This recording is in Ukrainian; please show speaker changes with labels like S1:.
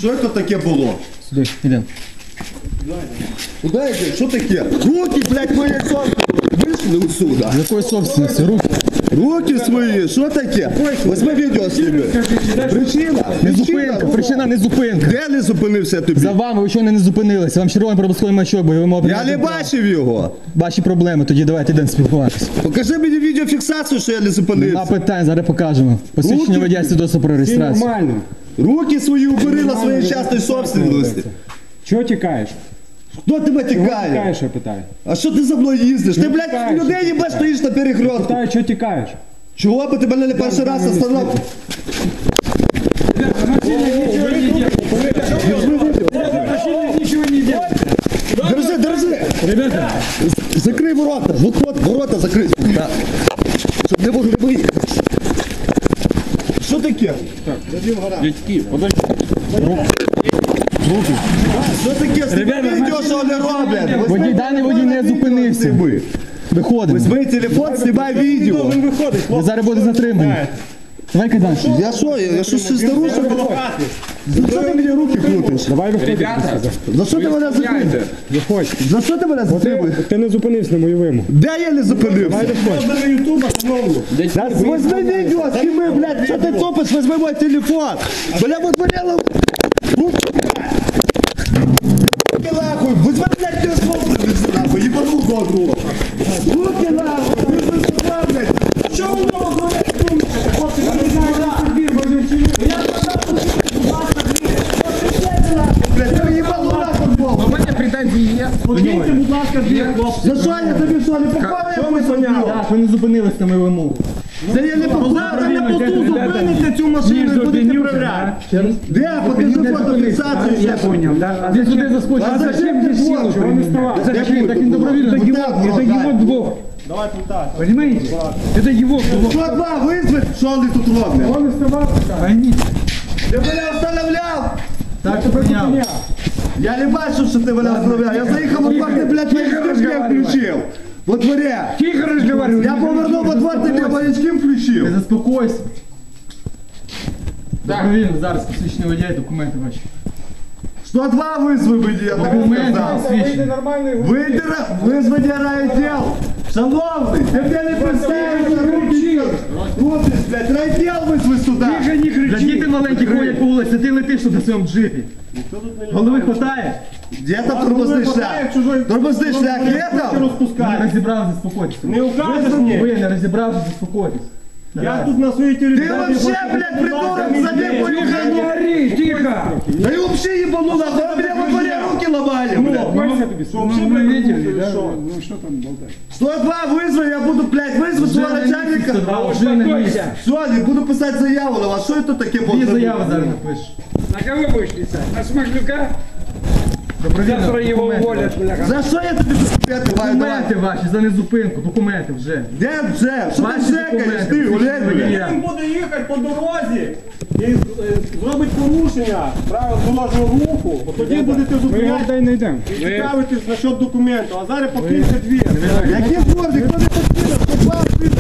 S1: Що це таке було?
S2: Сюди, йдемо.
S1: Куди йде? Що таке? Руки, блядь, мої собственні. Вийшли отсюда.
S2: З якої собственності? Руки.
S1: Руки свої, що таке? Возьми відео зніми. Причина?
S2: Не зупинка, причина не зупинка.
S1: Де не зупинився тобі?
S2: За вами ви чого не зупинилися? Вам червоний пропусковий маячок, бо ви мали...
S1: Я не бачив його.
S2: Ваші проблеми, тоді давайте йдемо спілкуватися.
S1: Покажи мені відеофіксацію, що я не
S2: Нема
S1: зупинився.
S2: питань, зараз покажемо. Посвідчення
S1: Руки.
S2: водія свідоцтво про реєстрацію.
S3: Нормально.
S1: Руки свої убери на своїй частної собственності.
S3: Чого тікаєш?
S1: Хто тебе тікає?
S3: Тікаєш, я питаю.
S1: А що ти за мною їздиш? Ти, блядь,
S3: Тікаєш.
S1: людей їбеш, стоїш на перехрестку.
S3: Питаю, чого тікаєш?
S1: Чого би тебе не перший раз остановив? Держи, держи!
S3: Ребята,
S1: Закрий ворота! Вот, ворота закрий! Так. Щоб не могли виїхати. Що таке?
S3: дядьки, подожди.
S1: Що таке? Знімай відео, що вони роблять!
S2: Водій, даний водій не зупинився. Виходимо.
S1: Візьми телефон, знімай відео!
S2: Ви зараз будете затримані. Давай кайдан.
S1: Я що щось нарушив? За що ти мені руки крутиш?
S3: Давай виходь.
S1: За що ти мене затримуєш?
S3: Виходь.
S1: За що ти мене затримуєш?
S3: Ти не зупинився на мою вимогу.
S1: Де я не зупинився? Да возьми видео, сніми, блядь, що ти цопиш, возьми мой телефон. Бля, вот болело. Руки нахуй, возьми, блядь, телефон, нахуй, ебану годру. Руки нахуй, ви сюда, блядь. Що у нього, блядь, думаєте? Хлопці, я не знаю, я блядь, ти їбану нахуй, Бог.
S4: У мене претензії є.
S3: Покиньте, будь ласка, дві хлопці.
S1: За що я тобі що, не попав, я поняв?
S2: Так, ви не зупинились на мою вимогу.
S1: Це я не попав, завтра на посту зупините цю машину і будете проверяти. Де? Покажи фотофіксацію.
S3: Я понял, да?
S2: Ти сюди
S1: А
S2: заскочив.
S1: зачем ти силу
S3: Чего не вставал?
S2: Зачем? Так він добровільно.
S1: Это его
S3: двор. Понимаете? Это его двор.
S1: Що два визвать, що вони тут роблять?
S3: Он вставал.
S1: Ти мене встановляв!
S2: Так, то прийняв.
S1: Я не бачив, що ти мене встановляв. Я заїхав во двор, ти, блядь, маячки включив. Во дворі.
S3: Тихо разговаривай.
S1: Я повернув во двор, ти мені маячки
S2: Ти
S1: включив.
S2: заспокойся. Добровільно, зараз посвідчення водія і документи ваші.
S1: Що два визви мені, я тобі
S2: Документи
S1: сказав.
S2: посвідчення.
S1: Визвані райділ. Шановний, ти мене не представився, руки. Крутиш, блядь, райділ визви сюди.
S2: Для діти маленькі ходять по вулиці, ти летиш тут на своєму джипі. Голови хватає?
S1: Де там тормозний шлях? Тормозний шлях є там?
S2: Не розібрався, заспокойтесь.
S3: Не укажешь мне?
S2: Ви не розібрався, заспокойтесь.
S3: Я тут на своей
S1: Ти
S3: территории.
S1: вообще, блядь, придурок, забей мою
S3: Не
S1: хату!
S3: ори, тихо!
S1: Да и вообще ебану нахуй, вы мне во дворе руки ломали, блядь!
S3: Мы видели, да? Ну что там болтать?
S1: 102 вызови, я буду, блядь, вызвать своего начальника.
S2: Вже на місці.
S1: Все, не буду писать заяву на вас, что это таке
S2: Дві
S1: было?
S2: заяви зараз напишеш.
S4: На кого будеш писати? На Смаглюка?
S2: Добровільно,
S4: Завтра його
S2: документи.
S4: уволять, бляха.
S1: За що я тобі документи маю давати?
S2: Документи ваші, за незупинку, документи вже.
S1: Де вже? Що ти
S2: Ваші
S1: шекаєш,
S2: документи,
S1: ти, Олег, блядь?
S2: водія.
S3: Він буде їхати по дорозі і зробить порушення правил дорожнього руху, от тоді будете зупиняти і цікавитись насчет документу, а зараз покиньте двір.
S1: Які двор, ніхто не покинув, 102 визвали.